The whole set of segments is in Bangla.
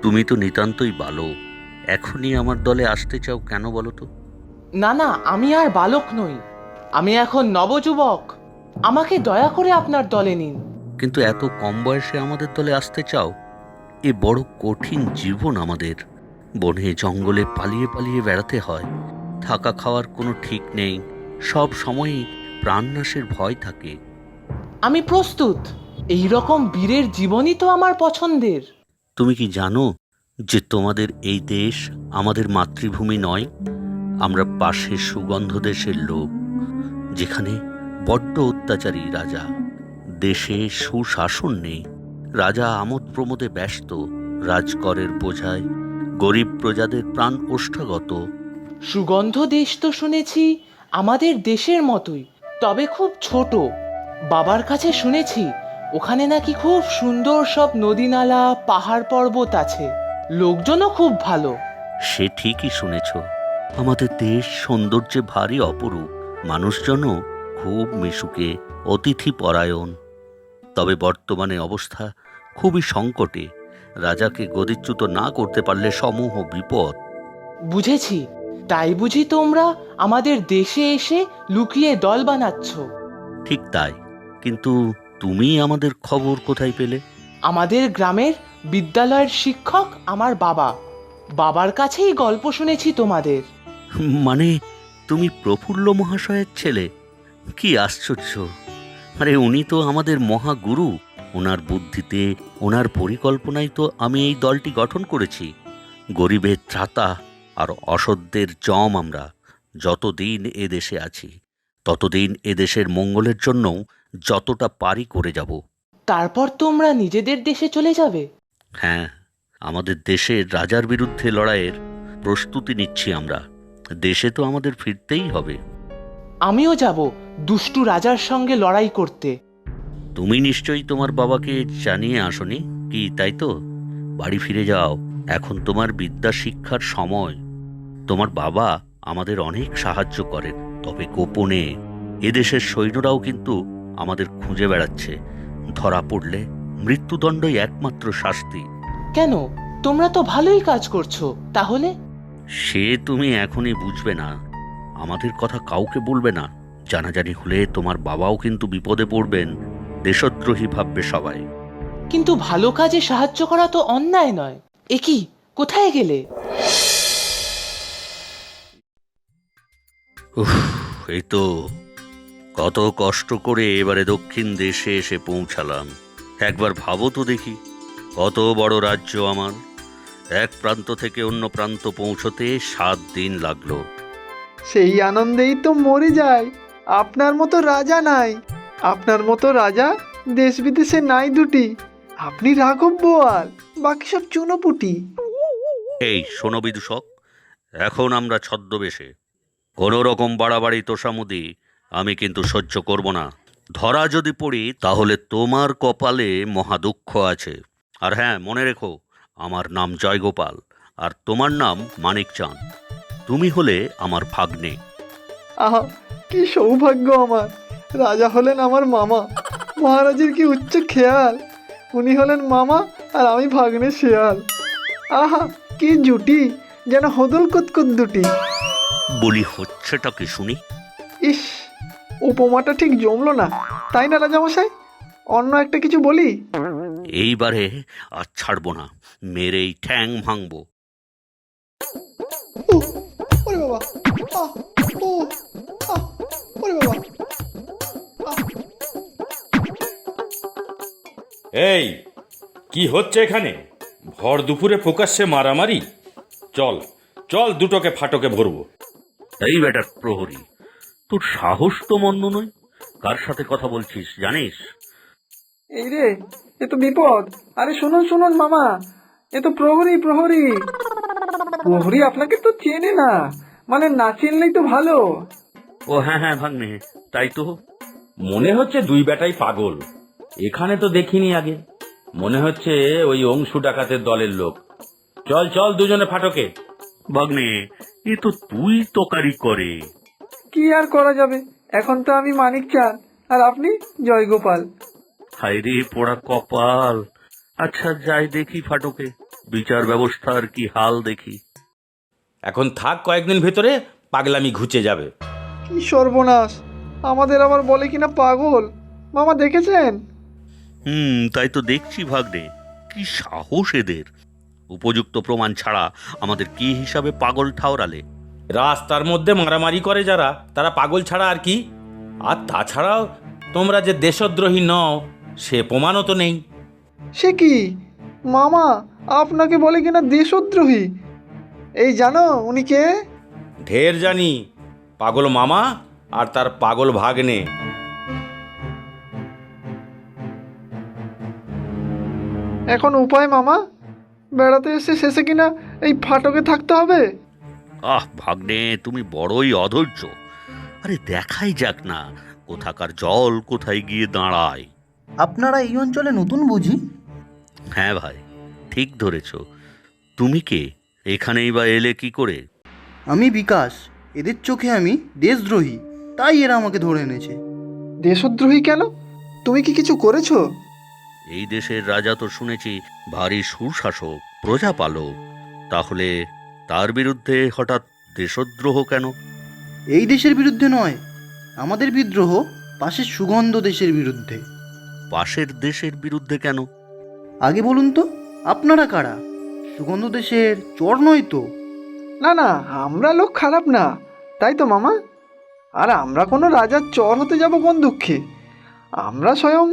তুমি তো নিতান্তই বালক, এখনই আমার দলে আসতে চাও কেন বলো তো? না না, আমি আর বালক নই, আমি এখন নবযুবক। আমাকে দয়া করে আপনার দলে নিন। কিন্তু এত কম বয়সে আমাদের দলে আসতে চাও? এ বড় কঠিন জীবন আমাদের। বনে জঙ্গলে পালিয়ে পালিয়ে বেড়াতে হয়, থাকা খাওয়ার কোনো ঠিক নেই, সব সময়ই প্রাণনাশের ভয় থাকে। আমি প্রস্তুত। এই রকম বীরের জীবনই তো আমার পছন্দের। তুমি কি জানো যে তোমাদের এই দেশ আমাদের মাতৃভূমি নয়? আমরা পাশের সুগন্ধ দেশের লোক, যেখানে বড্ড অত্যাচারী রাজা। দেশে সুশাসন নেই, রাজা আমোদ প্রমোদে ব্যস্ত, রাজকরের বোঝায় গরিব প্রজাদের প্রাণ ওষ্ঠাগত। সুগন্ধ দেশ তো শুনেছি আমাদের দেশের মতোই, তবে খুব ছোট। বাবার কাছে শুনেছি ওখানে নাকি খুব সুন্দর সব নদী নালা পাহাড় পর্বত আছে, লোকজনও খুব ভালো। সে ঠিকই শুনেছ। আমাদের দেশ সৌন্দর্যে ভারী অপরূপ, মানুষজনও খুব মিশুকে, অতিথি পরায়ণ। তবে বর্তমানে অবস্থা খুবই সংকটে। রাজাকে গদিচ্যুত না করতে পারলে সমূহ বিপদ। বুঝেছি, তাই বুঝি তোমরা আমাদের দেশে এসে লুকিয়ে দল বানাচ্ছ? ঠিক তাই। কিন্তু তুমি আমাদের খবর কোথায় পেলে? আমাদের গ্রামের বিদ্যালয়ের শিক্ষক আমার বাবা, বাবার কাছেই গল্প শুনেছি তোমাদের। মানে তুমি প্রফুল্ল মহাশয়ের ছেলে? কি আশ্চর্য! আরে উনি তো আমাদের মহাগুরু। ওনার বুদ্ধিতে, ওনার পরিকল্পনায় তো আমি এই দলটি গঠন করেছি। গরিবের ত্রাতা আর অসত্যের জম আমরা। যতদিন এ দেশে আছি ততদিন এ দেশের মঙ্গলের জন্যও যতটা পারি করে যাব। তারপর তোমরা নিজেদের দেশে চলে যাবে? হ্যাঁ, আমাদের দেশের রাজার বিরুদ্ধে লড়াইয়ের প্রস্তুতি নিচ্ছি আমরা। দেশে তো আমাদের ফিরতেই হবে। আমিও যাব দুষ্টু রাজার সঙ্গে লড়াই করতে। তুমি নিশ্চয়ই তোমার বাবাকে জানিয়ে আসনি কি, তাই তো? বাড়ি ফিরে যাও, এখন তোমার বিদ্যা শিক্ষার সময়। তোমার বাবা আমাদের অনেক সাহায্য করেন, তবে গোপনে। এদেশের সৈন্যরাও কিন্তু আমাদের খুঁজে বেড়াচ্ছে। ধরা পড়লে মৃত্যুদণ্ডই একমাত্র শাস্তি। কেন, তোমরা তো ভালোই কাজ করছো তাহলে। সে তুমি এখনই বুঝবে না। আমাদের কথা কাউকে বলবে না। জানাজানি হলে তোমার বাবাও কিন্তু বিপদে পড়বেন। দেশদ্রোহী ভাববে সবাই। কিন্তু ভালো কাজে সাহায্য করা তো অন্যায় নয়। এ কি, কোথায় গেলে? উফ, এই তো কত কষ্ট করে এবারে দক্ষিণ দেশে এসে পৌঁছালাম। একবার ভাবো তো দেখি, কত বড় রাজ্য আমার। এক প্রান্ত থেকে অন্য প্রান্ত পৌঁছতে 7 দিন লাগলো। সেই আনন্দেই তো মরে যায়। আপনার মতো রাজা নাই, আপনার মতো রাজা দেশ বিদেশে নাই দুটি। আপনি রাঘব বোয়াল, বাকি সব চুনোপুটি। এই শোনো বিদূষক, এখন আমরা ছদ্মবেশে। কোনো রকম বাড়াবাড়ি তোষামুদি আমি কিন্তু সহ্য করব না। ধরা যদি পড়ি তাহলে তোমার কপালে মহা দুঃখ আছে। আর হ্যাঁ, মনে রেখো, আমার নাম জয়গোপাল, আর তোমার নাম মানিকচাঁদ। তুমি হলে আমার ভাগ্নে। আহা, কি সৌভাগ্য আমার! রাজা হলেন আমার মামা। মহারাজের কি উচ্চ খেয়াল! উনি হলেন মামা আর আমি ভাগ্নে শেয়াল। আহা, কি জুটি! যেন হদল কুতকুত দুটি। বলি হচ্ছেটা কি শুনি? ইস, উপমাটা ঠিক জমলো না, তাই না রাজামশাই? অন্য একটা কিছু বলি। এইবারে আর ছাড়বো না, মেরেই ঠ্যাং ভাঙবো। উহ, ওরে বাবা! আহ, ও, আহ, ওরে বাবা! আহ। এই, কি হচ্ছে এখানে? ভর দুপুরে প্রকাশ্যে মারামারি? চল চল, দুটোকে ফাটকে ভরবো। এই বেটার প্রহরী, তোর সাহস তো মন্দ নয়। কার সাথে কথা বলছিস জানিস? এই রে, এ তো বিপদ! আরে শুনুন শুনুন মামা, এ তো প্রহরী প্রহরী। প্রহরী আপনাকে তো চেনে না, মানে না চিনলেই তো ভালো। ও হ্যাঁ হ্যাঁ ভাগ্নে, তাই তো। মনে হচ্ছে দুই বেটাই পাগল। এখানে তো দেখিনি আগে। মনে হচ্ছে ওই অংশু ডাকাতের দলের লোক। চল চল, দুজনে ফাটকে। ভাগ্নে, এ তো তুই তোকারি করে। কি আর করা যাবে, এখন তো আমি মানিক চাঁদ আর আপনি জয়গোপাল। হায় রে পোড়া কপাল। আচ্ছা যাই দেখি ফাটকে। বিচার ব্যবস্থার কি হাল দেখি। এখন থাক, কয়েকদিন ভেতরে পাগলামি ঘুচে যাবে। কি সর্বনাশ, আমাদের আবার বলে কিনা পাগল। মামা দেখেছেন? তাই তো দেখছি ভাগ্নে। কি সাহস এদের! উপযুক্ত প্রমাণ ছাড়া আমাদের কি হিসাবে পাগল ঠাওরালে? রাস্তার মধ্যে মারামারি করে যারা, তারা পাগল ছাড়া আর কি? আর তাছাড়াও তোমরা যে দেশদ্রোহী নও সে প্রমাণও তো নেই। সে কি মামা, আপনাকে বলে কিনা দেশদ্রোহী? এই জানো উনি কে? ঢের জানি, পাগল মামা আর তার পাগল ভাগ্নে। এখন উপায় মামা? বেড়াতে এসে শেষে কিনা এই ফাটকে থাকতে হবে? ভাগ্নে, তুমি বড়ই অধৈর্য। আরে দেখাই যাক না কোথাকার জল কোথায় গিয়ে দাঁড়ায়। আপনারা এই অঞ্চলে নতুন বুঝি? হ্যাঁ ভাই, ঠিক ধরেছ। তুমি কে? এখানেই বা এলে কি করে? আমি বিকাশ। এদের চোখে আমি দেশদ্রোহী, তাই এরা আমাকে ধরে এনেছে। দেশদ্রোহী কেন? তুমি কি কিছু করেছো? এই দেশের রাজা তো শুনেছি ভারী সুশাসক, প্রজাপালক। তাহলে তার বিরুদ্ধে হঠাৎ দেশদ্রোহ কেন? এই দেশের বিরুদ্ধে নয়, আমাদের বিদ্রোহ পাশের সুগন্ধ দেশের বিরুদ্ধে। পাশের দেশের বিরুদ্ধে কেন? আগে বলুন তো, আপনারা কারা? সুগন্ধ দেশের চর নয় তো? না না, আমরা লোক খারাপ না, তাই তো মামা? আর আমরা কোনো রাজার চর হতে যাব কোন দুঃখে? আমরা স্বয়ং...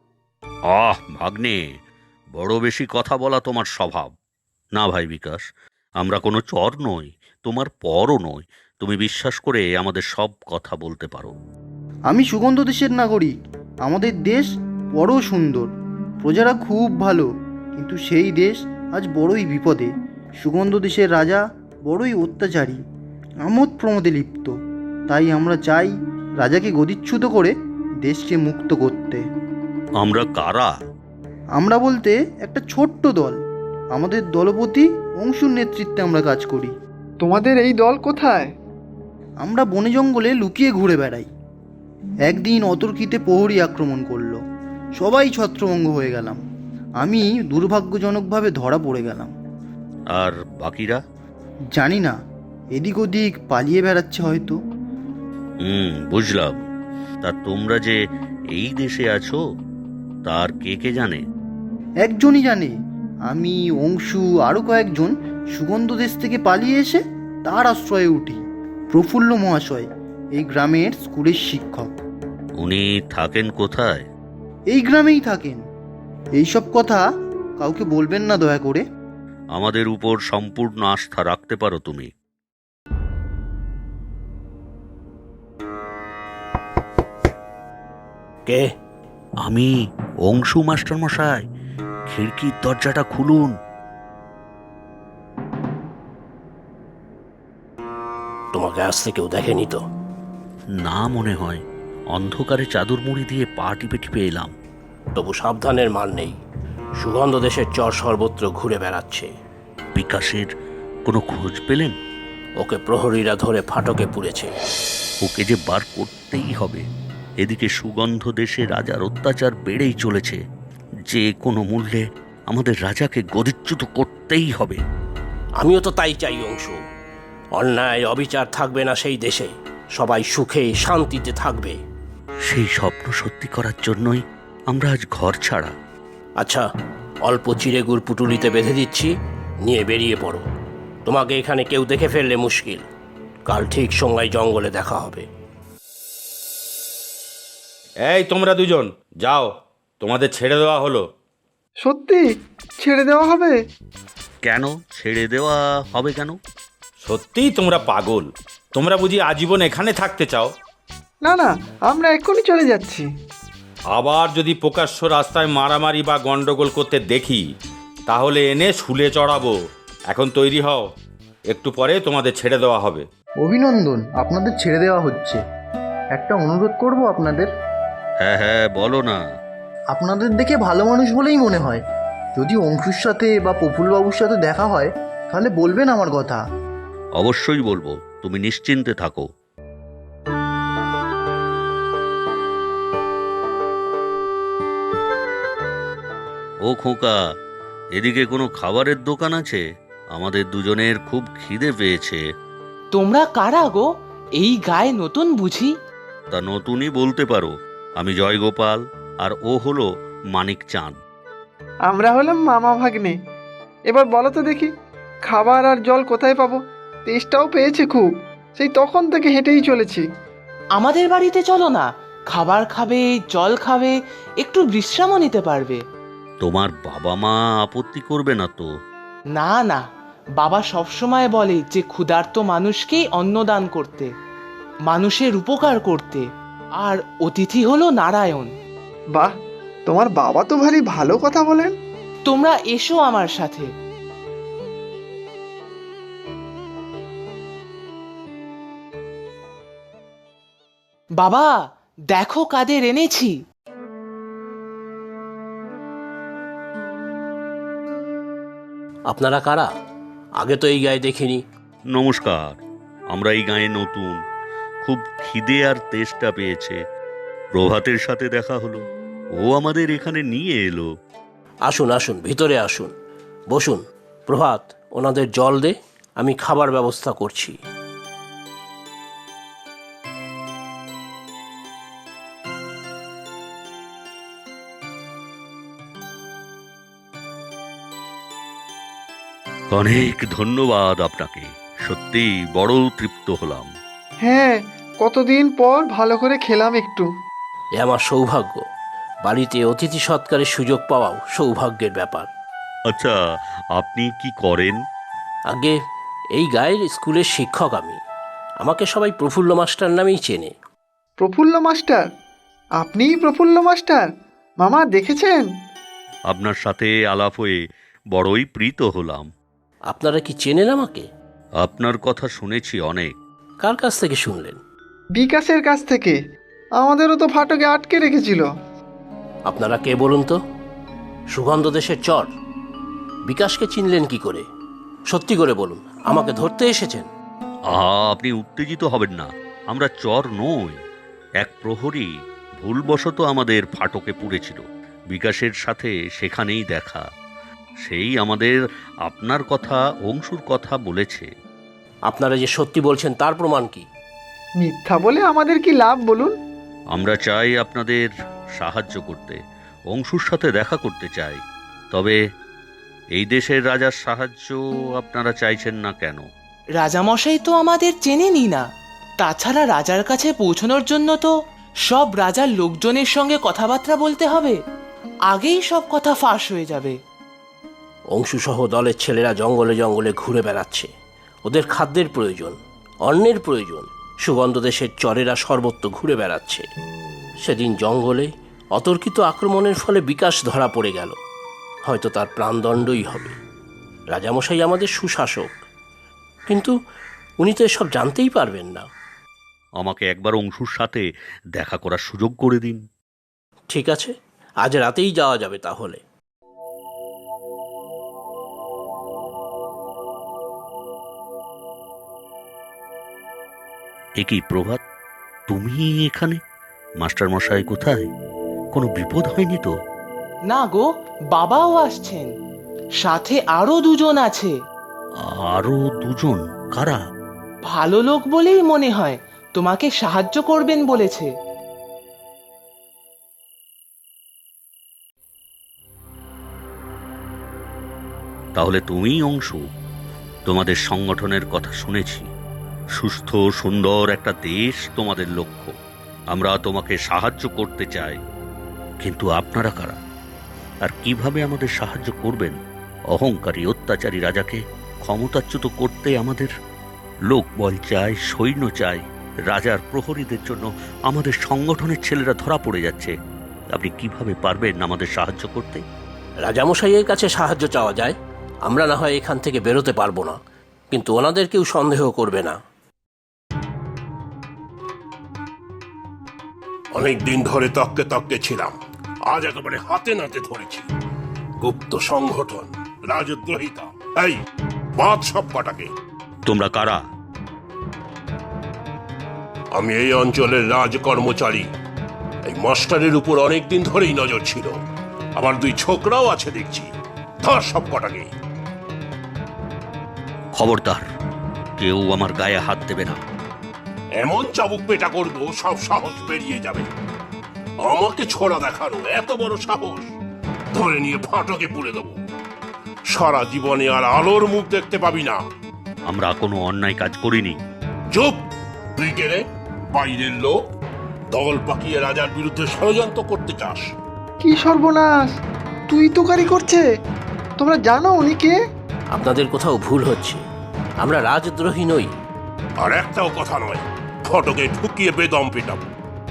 ভাগ্নে, বড় বেশি কথা বলা তোমার স্বভাব। না ভাই বিকাশ, আমরা কোনো চর নই, তোমার পরও নই। তুমি বিশ্বাস করে আমাদের সব কথা বলতে পারো। আমি সুগন্ধ দেশের নাগরিক। আমাদের দেশ বড় সুন্দর, প্রজারা খুব ভালো, কিন্তু সেই দেশ আজ বড়ই বিপদে। সুগন্ধ দেশের রাজা বড়ই অত্যাচারী, আমোদ প্রমোদে লিপ্ত। তাই আমরা চাই রাজাকে গদিচ্যুত করে দেশকে মুক্ত করতে। আমরা কারা? আমরা বলতে একটা ছোট্ট দল। আমাদের দলপতি অংশুর নেতৃত্বে আমরা কাজ করি। তোমাদের এই দল কোথায়? আমরা বনে জঙ্গলে লুকিয়ে ঘুরে বেড়াই। একদিন অতর্কিতে প্রহরী আক্রমণ করলো, সবাই ছত্রভঙ্গ হয়ে গেলাম। আমি দুর্ভাগ্যজনকভাবে ধরা পড়ে গেলাম। আর বাকিরা? জানি না, এদিক ওদিক পালিয়ে বেড়াচ্ছে হয়তো। বুঝলাম। তা তোমরা যে এই দেশে আছো তার কে কে জানে? একজনই জানে, আমি, অংশু, আরও কয়েকজন সুগন্ধ দেশ থেকে পালিয়ে এসে তার আশ্রয়ে উঠি। প্রফুল্ল মহাশয় এই গ্রামের স্কুলের শিক্ষক। উনি থাকেন কোথায়? এই গ্রামেই থাকেন। এইসব কথা কাউকে বলবেন না দয়া করে। আমাদের উপর সম্পূর্ণ আস্থা রাখতে পারো তুমি। কে? আমি অংশু মাস্টার মশাই। খিড়কির দরজাটা খুলুন। তোমাকে আসতে কেউ দেখেনি তো? না মনে হয়, অন্ধকারে চাদর মুড়ি দিয়ে পা টিপে টিপে এলাম। তবু সাবধানের মান নেই, সুগন্ধ দেশের চর সর্বত্র ঘুরে বেড়াচ্ছে। বিকাশের কোনো খোঁজ পেলেন? ওকে প্রহরীরা ধরে ফাটকে পুড়েছে। ওকে যে বার করতেই হবে। এদিকে সুগন্ধ দেশে রাজার অত্যাচার বেড়েই চলেছে। যে কোনো মূল্যে আমাদের রাজাকে গদিচ্যুত করতেই হবে। আমিও তো তাই চাই অংশু। অন্যায় অবিচার থাকবে না সেই দেশে, সবাই সুখে শান্তিতে থাকবে। সেই স্বপ্ন সত্যি করার জন্যই আমরা আজ ঘর ছাড়া। আচ্ছা, অল্প চিড়েগুড় পুটুলিতে বেঁধে দিচ্ছি, নিয়ে বেরিয়ে পড়ো। তোমাকে এখানে কেউ দেখে ফেললে মুশকিল। কাল ঠিক সময় জঙ্গলে দেখা হবে। এই তোমরা দুজন যাও, তোমাদের ছেড়ে দেওয়া হলো। সত্যি ছেড়ে দেওয়া হবে? কেন ছেড়ে দেওয়া হবে কেন? সত্যিই তোমরা পাগল? তোমরা বুঝি আজীবন এখানে থাকতে চাও? না না, আমরা এক্ষুনি চলে যাচ্ছি। আবার যদি প্রকাশ্য রাস্তায় মারামারি বা গন্ডগোল করতে দেখি তাহলে এনে শুলে চড়াবো। এখন তৈরি হও, একটু পরে তোমাদের ছেড়ে দেওয়া হবে। অভিনন্দন, আপনাদের ছেড়ে দেওয়া হচ্ছে। একটা অনুরোধ করব আপনাদের। হ্যাঁ হ্যাঁ, বলো না। আপনাদের দেখে ভালো মানুষ বলেই মনে হয়। যদি অংশুর সাথে বা প্রফুল্লবাবুর সাথে দেখা হয় তাহলে বলবেন আমার কথা। অবশ্যই বলবো, তুমি নিশ্চিন্তে থাকো। ও খোকা, এদিকে কোনো খাবারের দোকান আছে? আমাদের দুজনের খুব খিদে পেয়েছে। তোমরা কারা গো? এই গায়ে নতুন বুঝি? তা নতুনই বলতে পারো। আমি জয়গোপাল, আর ও হলো মানিক চাঁদ। আমরা হলাম মামা ভাগ্নে। এবার বলো তো দেখি, খাবার আর জল কোথায় পাবো? তেষ্টাও পেয়েছে খুব, সেই তখন থেকে হেঁটেই চলেছি। আমাদের বাড়িতে চলো না, খাবার খাবে, জল খাবে, একটু বিশ্রামও নিতে পারবে। তোমার বাবা মা আপত্তি করবে না তো? না না, বাবা সবসময় বলে যে ক্ষুধার্ত মানুষকেই অন্নদান করতে, মানুষের উপকার করতে, আর অতিথি হলো নারায়ণ। বাহ, তোমার বাবা তো ভারী ভালো কথা বলেন। তোমরা এসো আমার সাথে। বাবা, দেখো কাদের এনেছি। আপনারা কারা? আগে তো এই গায়ে দেখিনি। নমস্কার, আমরা এই গাঁয়ে নতুন। খুব খিদে আর তেষ্টা পেয়েছে। প্রভাতের সাথে দেখা হলো, ও আমাদের এখানে নিয়ে এলো। আসুন আসুন, ভিতরে আসুন, বসুন। প্রভাত, ওনাদের জল দে, আমি খাবার ব্যবস্থা করছি। অনেক ধন্যবাদ আপনাকে, সত্যি বড় তৃপ্ত হলাম। হ্যাঁ, কতদিন পর ভালো করে খেলাম একটু। এ আমার সৌভাগ্য। বাড়িতে অতিথি সৎকারের সুযোগ পাওয়াও সৌভাগ্যের ব্যাপার। আচ্ছা, আপনি কি করেন? আগে এই গায়ের স্কুলের শিক্ষক আমি। আমাকে সবাই প্রফুল্ল মাস্টার নামেই চেনে। প্রফুল্ল মাস্টার? আপনিই প্রফুল্ল মাস্টার? মামা দেখেছেন? আপনার সাথে আলাপ হয়ে বড়ই প্রীত হলাম। আপনারা কি চেনেন আমাকে? আপনার কথা শুনেছি অনেক। কার কাছ থেকে শুনলেন? বিকাশের কাছ থেকে। আমাদেরও তো ফাটকে আটকে রেখেছিল। আপনারা কে বলুন তো? সুগন্ধ দেশের চর। বিকাশকে চিনলেন কি করে? সত্যি করে বলুন, আমাকে ধরতে এসেছেন? আপনি উত্তেজিত হবেন না। আমরা চর নই। এক প্রহরী ভুলবশত আমাদের ফাটকে পুড়েছিল। বিকাশের সাথে সেখানেই দেখা। সেই আমাদের আপনার কথা, অংশুর কথা বলেছে। আপনারা যে সত্যি বলছেন তার প্রমাণ কি? মিথ্যা বলে আমাদের কি লাভ বলুন? আমরা চাই আপনাদের সাহায্য করতে, অংশুর সাথে দেখা করতে চাই। তবে এই দেশের রাজার সাহায্য আপনারা চাইছেন না কেন? রাজামশাই তো আমাদের চেনেনই না। তাছাড়া রাজার কাছে পৌঁছানোর জন্য তো সব রাজার লোকজনের সঙ্গে কথাবার্তা বলতে হবে। আগেই সব কথা ফাঁস হয়ে যাবে। অংশুসহ দলের ছেলেরা জঙ্গলে জঙ্গলে ঘুরে বেড়াচ্ছে। ওদের খাদ্যের প্রয়োজন, অন্নের প্রয়োজন। সুগন্ধ দেশের চরেরা সর্বত্র ঘুরে বেড়াচ্ছে। সেদিন জঙ্গলে অতর্কিত আক্রমণের ফলে বিকাশ ধরা পড়ে গেল। হয়তো তার প্রাণদণ্ডই হবে। রাজামশাই আমাদের সুশাসক, কিন্তু উনি তো এসব জানতেই পারবেন না। আমাকে একবার অংশুর সাথে দেখা করার সুযোগ করে দিন। ঠিক আছে, আজ রাতেই যাওয়া যাবে তাহলে। এ কি প্রভাত, তুমি এখানে? মাস্টার মশাই কোথায়? কোনো বিপদ হয়নি তো? না গো, বাবাও আসছেন, সাথে আরো দুজন আছে। আরো দুজন? কারা? ভালো লোক বলেই মনে হয়, তোমাকে সাহায্য করবেন বলেছে। তাহলে তুমিই অংশু। তোমাদের সংগঠনের কথা শুনেছি। সুস্থ সুন্দর একটা দেশ তোমাদের লক্ষ্য। আমরা তোমাকে সাহায্য করতে চাই। কিন্তু আপনারা কারা, আর কিভাবে আমাদের সাহায্য করবেন? অহংকারী অত্যাচারী রাজাকে ক্ষমতাচ্যুত করতে আমাদের লোকবল চাই, সৈন্য চাই। রাজার প্রহরীদের জন্য আমাদের সংগঠনের ছেলেরা ধরা পড়ে যাচ্ছে। আপনি কিভাবে পারবেন আমাদের সাহায্য করতে? রাজামশাইয়ের কাছে সাহায্য চাওয়া যায়। আমরা না হয় এখান থেকে বেরোতে পারবো না, কিন্তু ওনাদের কেউ সন্দেহ করবে না। অনেক দিন ধরে তককে তককে ছিলাম, আজ একেবারে হাতে নাতে ধরেছি। গুপ্ত সংগঠন, রাজদ্রোহিতা। এই বাদ সব কটাকে। তোমরা কারা? আমি এই অঞ্চলের রাজ কর্মচারী। এই মাস্টারের উপর অনেক দিন ধরেই নজর ছিল। আমার দুই ছোকরাও আছে দেখছি। ধর সব কটাকে। খবরদার, কেউ আমার গায়ে হাত দেবে না। এমন চাবুক পেটা করবো সব সাহস বেরিয়ে যাবে। আমাকে ছোড়া দেখানো এত বড় সাহস! ধরে নিয়ে ফাটকে পুড়ে দেবো। সারা জীবনে আর আলোর মুখ দেখতে পাবি না। আমরা কোনো অন্যায় কাজ করিনি। চুপ! তুই কে রে? বাইরের লোক, দল পাকিয়ে রাজার বিরুদ্ধে ষড়যন্ত্র করতে চাস? কি সর্বনাশ! তুই তোকারি করছে। তোমরা জানো উনি কে? আপনাদের কোথাও ভুল হচ্ছে, আমরা রাজদ্রোহী নই। আর একটাও কথা নয়, ফটকে ঢুকিয়ে বেদম পেটাবো।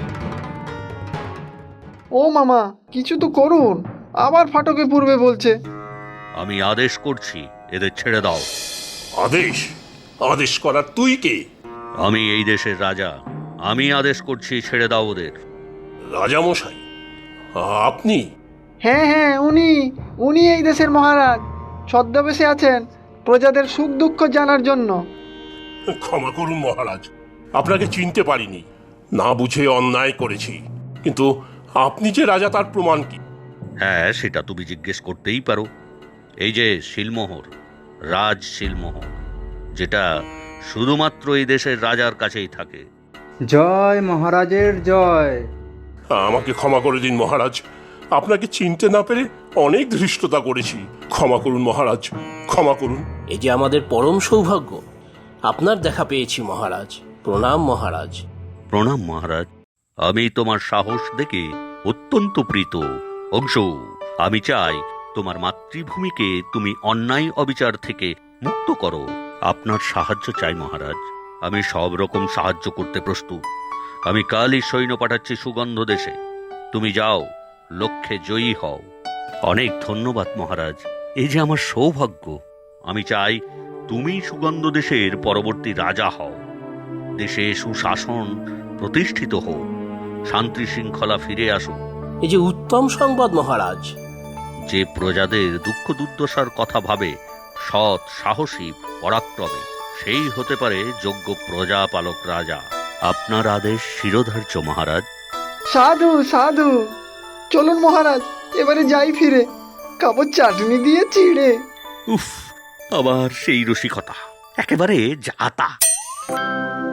ও মামা, কিছু তো করুন, আবার ফাটকে পূর্বে বলছে। আমি আদেশ করছি, এদের ছেড়ে দাও। আদেশ? আদেশ করার তুই কে? আমি এই দেশের রাজা, আমি আদেশ করছি, ছেড়ে দাও ওদের। রাজামশাই আপনি? হ্যাঁ হ্যাঁ, উনি এই দেশের মহারাজ। ছদ্মবেশে আছেন প্রজাদের সুখ দুঃখ জানার জন্য। ক্ষমা করুন মহারাজ, আপনাকে চিনতে পারিনি, না বুঝে অন্যায় করেছি। কিন্তু আপনি যে রাজা তার প্রমাণ কি? হ্যাঁ, সেটা তুমি জিজ্ঞেস করতেই পারো। এই যে শিলমোহর, রাজ শিলমোহর, যেটা শুধুমাত্র এই দেশের রাজার কাছেই থাকে। জয় মহারাজের জয়। আমাকে ক্ষমা করে দিন মহারাজ, আপনাকে চিনতে না পেরে অনেক ধৃষ্টতা করেছি। ক্ষমা করুন মহারাজ, ক্ষমা করুন। এই যে আমাদের পরম সৌভাগ্য, আপনার দেখা পেয়েছি মহারাজ। প্রণাম মহারাজ। প্রণাম মহারাজ। আমি তোমার সাহস দেখে অত্যন্ত প্রীত। অংশ, আমি চাই তোমার মাতৃভূমিকে তুমি অন্যায় অবিচার থেকে মুক্ত করো। আপনার সাহায্য চাই মহারাজ। আমি সব রকম সাহায্য করতে প্রস্তুত। আমি কালই সৈন্য পাঠাচ্ছি সুগন্ধ দেশে। তুমি যাও, লক্ষ্যে জয়ী হও। অনেক ধন্যবাদ মহারাজ, এই যে আমার সৌভাগ্য। আমি চাই তুমি সুগন্ধ দেশের পরবর্তী রাজা হও। দেশে সুশাসন প্রতিষ্ঠিত হোক, শান্তি শৃঙ্খলা ফিরে আসুক। এই যে উত্তম সংবাদ মহারাজ। যে প্রজাদের দুঃখ দুর্দশার কথা ভাবে, সৎ, সাহসী, পরাক্রমী, সেই হতে পারে যোগ্য প্রজাপালক রাজা। আপনার আদেশ শিরোধার্য মহারাজ। সাধু সাধু, চলুন মহারাজ, এবারে যাই ফিরে, কাপড় চাটনি দিয়ে চিড়ে। উফ, আবার সেই রসিকতা, একেবারে যাতা।